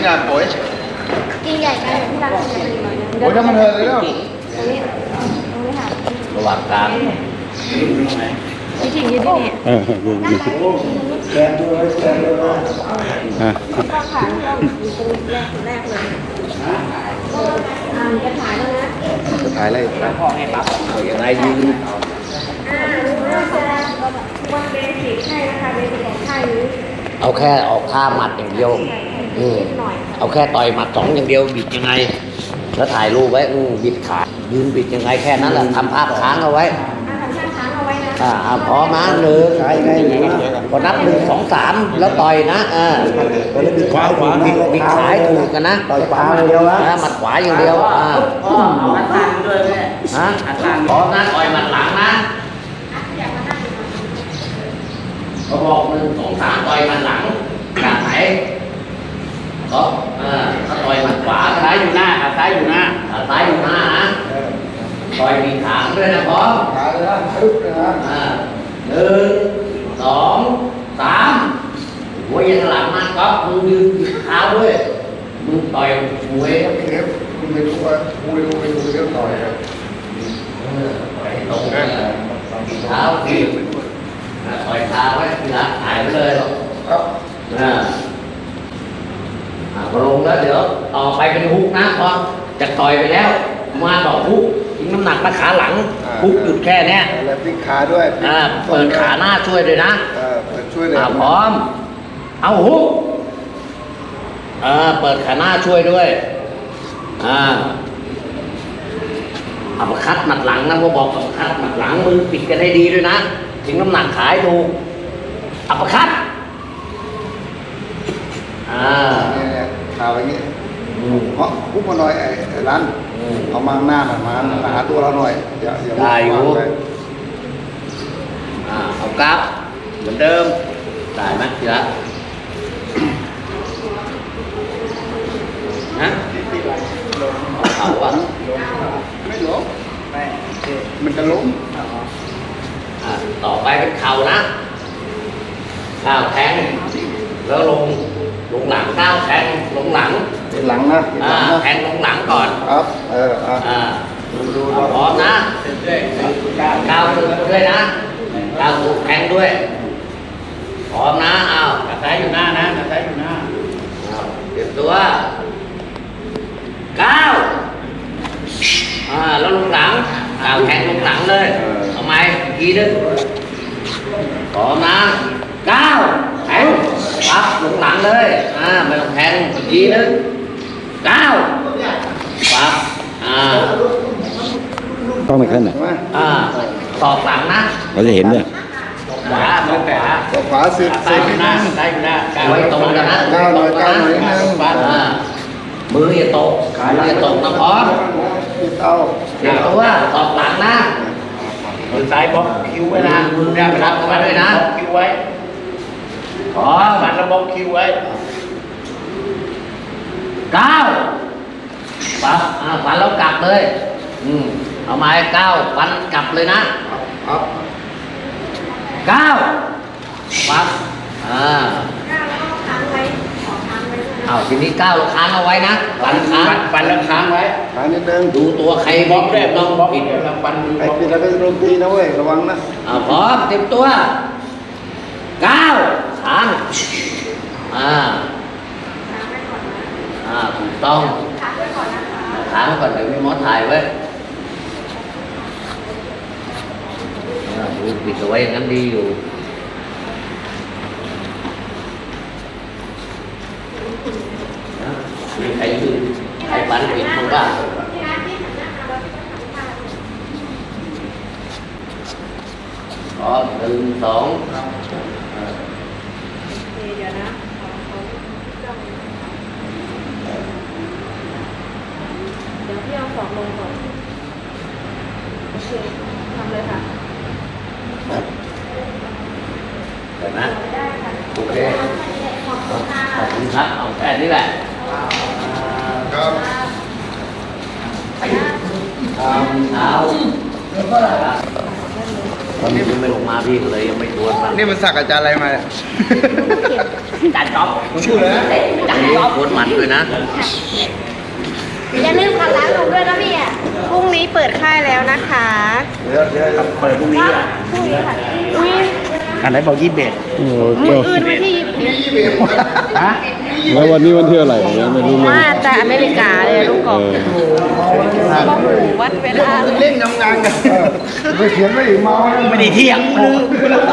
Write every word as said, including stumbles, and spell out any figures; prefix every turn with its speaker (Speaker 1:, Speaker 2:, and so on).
Speaker 1: là tuổi
Speaker 2: กินใหญ่ไปที่ร้านกินใหญ่ไปหน่อยนึง
Speaker 1: tuổi đó mình hơi đấy không
Speaker 2: ตรงนี้ตรงนี้ค่ะ
Speaker 3: ระหว่างกลาง
Speaker 2: วิธียืดนี่
Speaker 4: เออยืนยืนอ่ะ
Speaker 2: ต้องขาต้องอยู่ตรงแรกแรกเลยอ่าจะถ่ายแล้วนะ
Speaker 1: ถ่ายเลย
Speaker 3: พ่อให้ปั๊บเอาอย่างไรยืน
Speaker 2: อ่าเราจะวันเบสิกให้นะคะเบสิกของไทยนี้
Speaker 3: เอาแค่ออกท่าหมัดอย่างเดียวอืม
Speaker 2: หน่อย
Speaker 3: เอาแค่ต่อยหมัดสองอย่างเดียวบิดยังไง แล้วถ่ายรูปไว้อืมบิดขายืนบิดยังไงแค่นั้นแหละทำภาพค้างเอาไว้
Speaker 2: อ่าทำช่างช้างเอาไว้นะ
Speaker 3: อ่าอ่าพร้อมนะหนึ่งพอนับหนึ่งสองสามแล้วต่อยนะอ่า
Speaker 4: บิดขวาขวา
Speaker 3: บิดบิดขาให้ถูกกันนะ
Speaker 4: ต่อยขวาอย่างเดียวนะ
Speaker 3: อ่าหมัดขวาอย่างเดียวอ่า
Speaker 5: พ่ออัดตังด้วยแม่
Speaker 3: ฮะ
Speaker 5: อัดตัง
Speaker 3: พร้อมนะต่อยหมัดหลังนะเขาบอกหนึ่งสองสามต่อยหมัดหลังจากไหนก็อ่าถ้าต่อยหมัดขวา
Speaker 5: ซ้ายอยู่หน้าอัดซ้ายอยู่หน้า
Speaker 3: อ่าซ้ายอยู่หน้านะต่อยบิดขาด้วยนะพร้อม
Speaker 1: ถ่ายเลยนะปึ๊บเลยนะ
Speaker 3: อ่าหนึ่งสองสามหัวยันหลังมาก๊อฟมึงยืนเท้าด้วยมึงต่อยมวย
Speaker 1: เทปคุณไม่รู้ว่าคุณไม่รู้ไม่รู้เรื่องต่อยครับ
Speaker 3: เออต่อยตรงเลยเท้าทีอ่าต่อยเท้าไว้ทีหลังถ่ายไปเลยหรอก
Speaker 1: ครับ
Speaker 3: อ่าอ่าพอลงแล้วเดี๋ยวต่อไปเป็นฮุกนะพอจะต่อยไปแล้ว มาต่อฮุกทิ้งน้ำหนักมาขาหลังฮุกหยุดแค่เนี้ย
Speaker 1: แล้วพลิกขาด้วย
Speaker 3: อ่าเปิดขาหน้าช่วยด้วยนะ
Speaker 1: เออเปิดช่วยเลย
Speaker 3: อ่าพร้อม เอาฮุกอ่าเปิดขาหน้าช่วยด้วย อ่าอัปคัดหมัดหลังนะผมบอกอัปคัดหมัดหลังมือปิดกันให้ดีด้วยนะถึงน้ำหนักขายถูกอัปคัดอ่า
Speaker 1: เนี่ยเนี่ยขาไปอย่างงี้
Speaker 3: อืม
Speaker 1: เพราะพุกมาหน่อยไอ้ไอ้ร้าน
Speaker 3: อืม
Speaker 1: เอามาข้างหน้าหน่อยมามาหาตัวเราหน่อยอย่าอย่า
Speaker 3: ได้อยู่
Speaker 1: วางไป
Speaker 3: อ่าเอากราฟเหมือนเดิมได้ไหมทีละฮะเอาเอาวะ
Speaker 1: ไม่ล้มมันจะล้ม
Speaker 3: อ่าต่อไปเป็นเข่านะก้าวแทงแล้วลงลงหลังก้าวแทงลงหลัง
Speaker 1: ติดหลังนะติด
Speaker 3: อ่า
Speaker 1: หลังนะ
Speaker 3: แทงลงหลังก่อน
Speaker 1: ครับเอออ่ะ
Speaker 3: อ่า
Speaker 1: ดูดู
Speaker 3: เอาพร้อมนะก้าวถูกด้วยนะก้าวถูกแทงด้วยพร้อมนะเอา
Speaker 5: อัดซ้ายอยู่หน้านะอัดซ้ายอยู่หน้า
Speaker 3: เอาเตรียมตัวก้าวอ่าแล้วลงหลังก้าวแทงลงหลังเลยเอาไหมอีกทีนึงพร้อมนะก้าวแทงปั๊บลงหลังเลยอ่าไม่ต้องแทงอีกทีนึงก้าวปั๊บอ่า
Speaker 4: ต้องไม่ขึ้นอ่ะ
Speaker 1: มา
Speaker 3: อ่าตอกหลังนะ
Speaker 4: เราจะเห็นเนี่ย
Speaker 3: ขวามือขวา
Speaker 1: ตัวขวาสิบ
Speaker 5: อัด
Speaker 1: สิ
Speaker 5: ซ้าย
Speaker 1: บ
Speaker 5: อยู่หน้าอัดซ้ายอยู่หน้าก้าว
Speaker 3: ไว้ตรงกันนะ
Speaker 1: ก้าวหน่อยก้าวหน่อยนิดนึง
Speaker 3: อ่ามืออย่าตกมืออย่าตกนะพร้อม
Speaker 1: ติดเอา
Speaker 3: เดี๋ยวตัวตอกหลังนะ
Speaker 5: มือซ้ายบล็อกคิ้วไว้นะมือด้านหลังมาด้วยนะบล็อกคิ้วไว้
Speaker 3: พร้อม
Speaker 5: มันแล้วบล็อกคิ้วไว้
Speaker 3: ก้าวปั๊บอ่าฟันแล้วกลับเลยอืมเอาไม้ก้าวฟันกลับเลยนะ
Speaker 1: ครับ
Speaker 3: ก้าวปั๊บอ่า
Speaker 2: ก้าวแล้วก็ค้างไว้ขอค้างไว้ด้วยนะ
Speaker 3: เอาทีนี้ก้าวค้างเอาไว้นะฟันค้าง
Speaker 5: ฟันฟันแล้วค้างไว้
Speaker 1: ขานิดนึง
Speaker 3: ดูตัวใคร
Speaker 5: บบ ล็
Speaker 3: ล็
Speaker 5: อ
Speaker 3: อก ก
Speaker 5: ได้
Speaker 3: ได้
Speaker 5: ต้
Speaker 3: ต้
Speaker 5: อ
Speaker 3: อง ง
Speaker 5: บล็อก
Speaker 3: ปิด
Speaker 5: เดี๋ยวเราฟันมือ
Speaker 1: ไอ้ปิดแล้วเป็นดนตรีนะเว้ยระวังนะ
Speaker 3: อ่าพร้อมเตรียมตัวก้าวค้างอ่า
Speaker 2: ค้างไว้ก่อนนะ
Speaker 3: อ่าถูกต้อง
Speaker 2: ค้างไว้ก่อนนะคะ
Speaker 3: ค้างก่อนเดี๋ยวมีหมอถ่ายไว้อ่าดูปิดเอาไว้อย่างนั้นดีอยู่นะมีใครยืนใครฟันปิดมั้งบ้าง
Speaker 2: ที่ร้านที่หันหน้ามาเราที่ต้องทำท่า
Speaker 3: พร้อมหนึ่งสองอ่า
Speaker 2: เดี๋ยวนะขอขอจ้องเดี๋ยวพี่เอาสองลงก่อนโอเคทำเลยค่ะ
Speaker 3: เห็นไหม
Speaker 2: ได้ค่ะ
Speaker 3: โอเค
Speaker 2: ขอบคุณค่ะ
Speaker 3: ขอบคุณครับเอาแค่นี้แหละ
Speaker 1: ครับ
Speaker 3: ทำเท้าตอนนี้มันไม่ลงมาพี่ก็เลยยังไม่ชวนมัน
Speaker 1: นี่มันสักอาจารย์อะไรมาเนี่ย
Speaker 3: จัดจ๊อบ
Speaker 1: ผมพูดเลยนะ
Speaker 3: จัดจ๊อบชวนมันด้วยนะ
Speaker 2: อย่าลืมขับร้านลุงด้วยนะพี่อ่ะพรุ่งนี้เปิดค่ายแล้วนะคะ
Speaker 5: เดี๋ยวเดี๋ยวเปิดพรุ่งนี้อ่ะ
Speaker 2: พรุ่งนี้ค่ะอุ้ย
Speaker 5: อันไหนบอกยี่สิบเอ็ด
Speaker 4: โอ้โห
Speaker 2: มืออื่นวันที่ยี่สิบ
Speaker 5: ฮะ
Speaker 4: แล้ววันนี้วันที่อะไรยังไม่รู้เลย
Speaker 2: มาแต่อเมริกาเลยลูกก
Speaker 4: เอ
Speaker 2: อก
Speaker 4: อ
Speaker 2: ก็หูวัดเวลา
Speaker 1: เล่นทำงานกันไปเขียนไว้อีกเมา
Speaker 5: ไม่ได้เที่ยงลืม